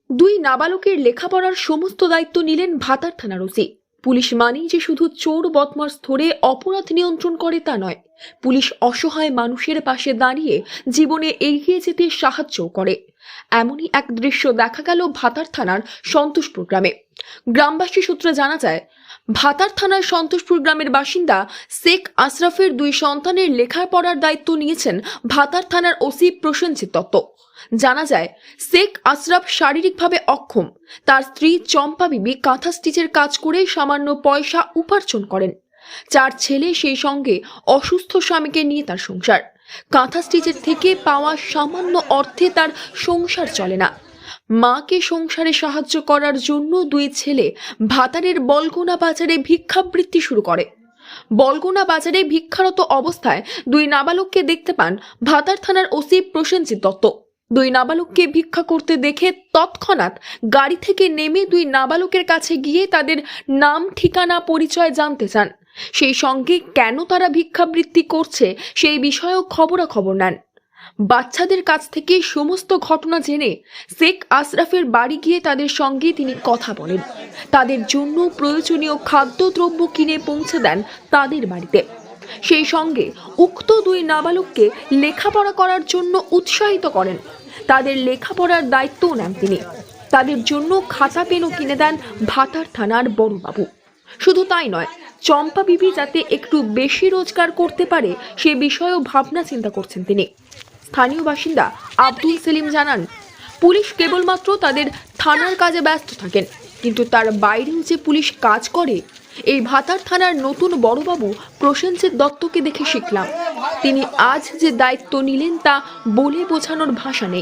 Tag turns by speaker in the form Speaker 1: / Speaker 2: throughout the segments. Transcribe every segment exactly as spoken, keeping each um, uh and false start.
Speaker 1: দুই নাবালকের লেখাপড়ার সমস্ত দায়িত্ব নিলেন ভাতার থানার ওসি। পুলিশ মানেই যে শুধু চোর বদমাশ ধরে অপরাধ নিয়ন্ত্রণ করে তা নয়, পুলিশ অসহায় মানুষের পাশে দাঁড়িয়ে জীবনে এগিয়ে যেতে সাহায্য করে। এমনই এক দৃশ্য দেখা গেল ভাতার থানার সন্তোষপুর গ্রামে। গ্রামবাসী সূত্রে জানা যায়, ভাতার থানার সন্তোষপুর গ্রামের বাসিন্দা শেখ আশরাফের দুই সন্তানের লেখাপড়ার দায়িত্ব নিয়েছেন ভাতার থানার ওসি প্রসেনজিৎ দত্ত। জানা যায়, শেখ আশরাফ শারীরিকভাবে অক্ষম। তার স্ত্রী চম্পা বিবি কাঁথা স্টিচের কাজ করে সামান্য পয়সা উপার্জন করেন। চার ছেলে, সেই সঙ্গে অসুস্থ স্বামীকে নিয়ে তার সংসার। কাঁথা স্টিচের থেকে পাওয়া সামান্য অর্থে তার সংসার চলে না। মাকে সংসারে সাহায্য করার জন্য দুই ছেলে ভাতারের বলগোনা বাজারে ভিক্ষাবৃত্তি শুরু করে। বলগোনা বাজারে ভিক্ষারত অবস্থায় দুই নাবালককে দেখতে পান ভাতার থানার ওসি প্রসেনজিৎ দত্ত। দুই নাবালককে ভিক্ষা করতে দেখে তৎক্ষণাৎ গাড়ি থেকে নেমে দুই নাবালকের কাছে গিয়ে তাদের নাম, ঠিকানা, পরিচয় জানতে চান। সেই সঙ্গে কেন তারা ভিক্ষাবৃত্তি করছে সেই বিষয়েও খবরাখবর নেন। বাচ্চাদের কাছ থেকে সমস্ত ঘটনা জেনে শেখ আশরাফের বাড়ি গিয়ে তাদের সঙ্গে তিনি কথা বলেন। তাদের জন্য প্রয়োজনীয় খাদ্যদ্রব্য কিনে পৌঁছে দেন তাদের বাড়িতে। সেই সঙ্গে উক্ত দুই নাবালককে লেখাপড়া করার জন্য উৎসাহিত করেন। তাদের লেখাপড়ার দায়িত্বও নেন তিনি। তাদের জন্য খাতা পেনও কিনে দেন ভাতার থানার বড়বাবু। শুধু তাই নয়, চম্পা বিবি যাতে একটু বেশি রোজগার করতে পারে সে বিষয়েও ভাবনা চিন্তা করছেন তিনি। স্থানীয় বাসিন্দা আব্দুল সেলিম জানান, পুলিশ কেবলমাত্র তাদের থানার কাজে ব্যস্ত থাকেন, কিন্তু তার বাইরেও যে পুলিশ কাজ করে এই ভাতার থানার নতুন বড়বাবু প্রসেনজিৎ দত্তকে দেখে শিখলাম। তিনি আজ যে দায়িত্ব নিলেন তা বলে বোঝানোর ভাষা নেই।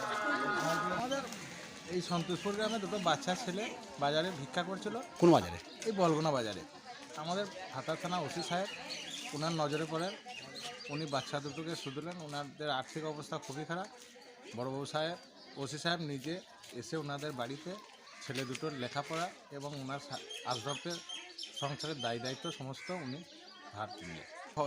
Speaker 2: এই সন্তোষপুর গ্রামে দুটো বাচ্চা ছেলে বাজারে ভিক্ষা করছিল।
Speaker 3: কোন বাজারে?
Speaker 2: এই বলগোনা বাজারে। আমাদের ভাতার থানা ওসি সাহেব ওনার নজরে পড়েন। উনি বাচ্চা দুটোকে শুধলেন। ওনাদের আর্থিক অবস্থা খুবই খারাপ। বড়বাবু সাহেব, ওসি সাহেব নিজে এসে ওনাদের বাড়িতে ছেলে দুটোর লেখাপড়া এবং ওনার আশরাফের সংসারের দায় দায়িত্ব সমস্ত উনি ধার নিয়ে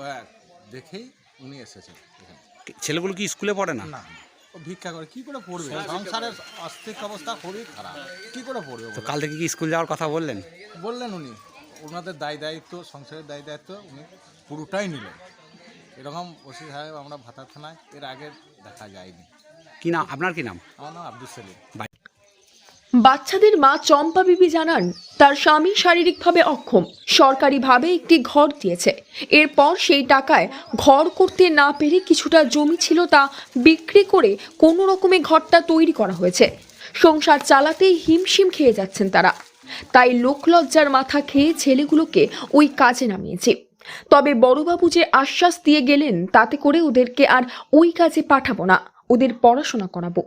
Speaker 2: দেখেই উনি এসেছেন এখানে।
Speaker 3: ছেলেগুলো কি স্কুলে পড়ে না?
Speaker 2: না, ও ভিক্ষা করে কি করে পড়বে? সংসারের আর্থিক অবস্থা খুবই খারাপ, কি করে পড়বে?
Speaker 3: তো কাল থেকে কি স্কুল যাওয়ার কথা বললেন?
Speaker 2: বললেন উনি ওনাদের দায় দায়িত্ব, সংসারের দায় দায়িত্ব উনি পুরোটাই নিলেন। এরকম ওসি সাহেব আমরা ভাতার থানায় এর আগে দেখা যায়নি।
Speaker 3: কি নাম আপনার? কি নাম?
Speaker 2: আমার নাম আব্দুল সেলিম।
Speaker 1: বাচ্চাদের মা চম্পা বিবি জানান, তার স্বামী শারীরিকভাবে অক্ষম। সরকারিভাবে একটি ঘর দিয়েছে। এরপর সেই টাকায় ঘর করতে না পেরে কিছুটা জমি ছিল তা বিক্রি করে কোনো রকমে ঘরটা তৈরি করা হয়েছে। সংসার চালাতেই হিমশিম খেয়ে যাচ্ছেন তারা। তাই লোকলজ্জার মাথা খেয়ে ছেলেগুলোকে ওই কাজে নামিয়েছে। তবে বড়বাবু যে আশ্বাস দিয়ে গেলেন তাতে করে ওদেরকে আর ওই কাজে পাঠাবো না, ওদের পড়াশোনা করাবো।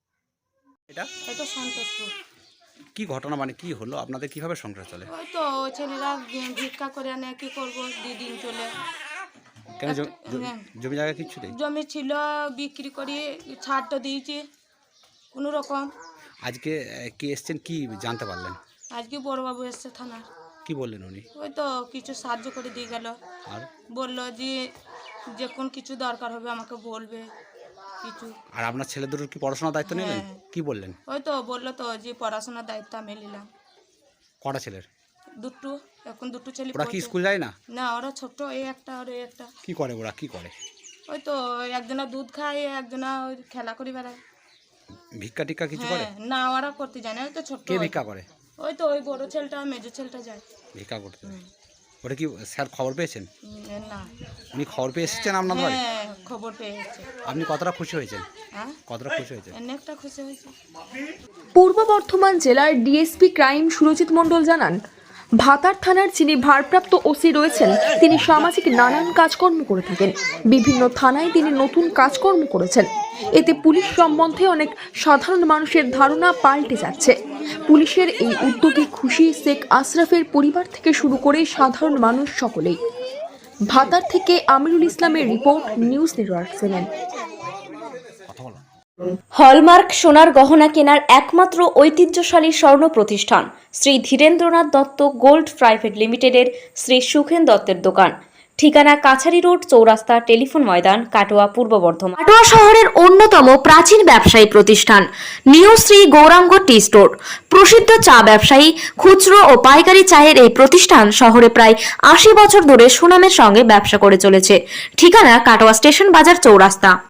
Speaker 3: এটা
Speaker 4: এটা সন্তোষপুর।
Speaker 3: কি ঘটনা, মানে কি হলো? আপনাদের কিভাবে সংসার চলে?
Speaker 4: ওই তো ছেলেরা ভিক্ষা করে আনে, কি করবো, দিন চলে।
Speaker 3: কেন জ- জ-
Speaker 4: হ্যাঁ।
Speaker 3: জমি জায়গা কিচ্ছু নেই?
Speaker 4: জমি ছিল, বিক্রি করে ছাড়টা দিয়েছে কোনো রকম।
Speaker 3: আজকে আহ, কি এসছেন, কি জানতে পারলেন?
Speaker 4: আজকে বড়বাবু এসছে থানার।
Speaker 3: কি বললেন উনি?
Speaker 4: ওই তো কিছু সাহায্য করে দিয়ে গেল।
Speaker 3: আর
Speaker 4: বললো যে যে কোন কিছু দরকার হবে আমাকে বলবে কিছু।
Speaker 3: আর আপনার ছেলে দুটোর কি পড়াশোনার দায়িত্ব নিলেন?
Speaker 4: হ্যাঁ।
Speaker 3: কি বললেন?
Speaker 4: ওই তো বললো তো যে পড়াশোনার দায়িত্ব আমি নিলাম।
Speaker 3: কটা ছেলের?
Speaker 4: দুটো, এখন দুটো ছেলে
Speaker 3: ওরা কি
Speaker 4: পড়ছে।
Speaker 3: স্কুল যায় না?
Speaker 4: না, ওরা ছোট, এই একটা আর এই একটা।
Speaker 3: কি করে ওরা, কি করে?
Speaker 4: ওই তো একজনা দুধ খায়, একজনা ওই খেলা করে বেড়ায়।
Speaker 3: ভিক্ষা টিক্ষা কিছু করে?
Speaker 4: হ্যাঁ, না ওরা করতে যায় না, ওই তো ছোট।
Speaker 3: কে ভিক্ষা করে?
Speaker 4: ওই তো ওই বড় ছেলেটা, মেজো ছেলেটা যায়।
Speaker 3: ভিক্ষা করতে? ওটা কি স্যার খবর পেয়েছেন?
Speaker 4: উম, না।
Speaker 3: উনি খবর পেয়ে এসেছেন আপনার বাড়ি?
Speaker 4: হ্যাঁ, খবর পেয়ে এসেছে।
Speaker 3: আপনি কতটা খুশি হয়েছেন?
Speaker 4: হ্যাঁ,
Speaker 3: কতটা খুশি হয়েছেন?
Speaker 4: অনেকটা খুশি হয়েছে।
Speaker 1: পূর্ব বর্ধমান জেলার ডিএসপি ক্রাইম সুরজিৎ মণ্ডল জানান, ভাতার থানার যিনি ভারপ্রাপ্ত ওসি রয়েছেন তিনি সামাজিক নানান কাজকর্ম করে থাকেন। বিভিন্ন থানায় তিনি নতুন কাজকর্ম করেছেন। এতে পুলিশ সম্বন্ধে অনেক সাধারণ মানুষের ধারণা পাল্টে যাচ্ছে। পুলিশের এই উদ্যোগে খুশি শেখ আশরাফের পরিবার থেকে শুরু করে সাধারণ মানুষ সকলেই। ভাতার থেকে আমিরুল ইসলামের report, news network seven.
Speaker 5: Hallmark সোনার গহনা কেনার একমাত্র ঐতিহ্যশালী স্বর্ণ প্রতিষ্ঠান শ্রী ধীরেন্দ্রনাথ দত্ত গোল্ড প্রাইভেট লিমিটেডের শ্রী সুখেন দত্তের দোকান। ঠিকানা কাছারি রোড, চৌরাস্তা, টেলিফোন ময়দান, কাটোয়া, পূর্ব বর্ধমান। কাটোয়া শহরের অন্যতম প্রাচীন ব্যবসায়ী প্রতিষ্ঠান new Shri Gouranga tea store. প্রসিদ্ধ চা ব্যবসায়ী, খুচরো ও পাইকারি চায়ের এই প্রতিষ্ঠান শহরে প্রায় আশি বছর ধরে সুনামের সঙ্গে ব্যবসা করে চলেছে। ঠিকানা কাটোয়া স্টেশন বাজার, চৌরাস্তা।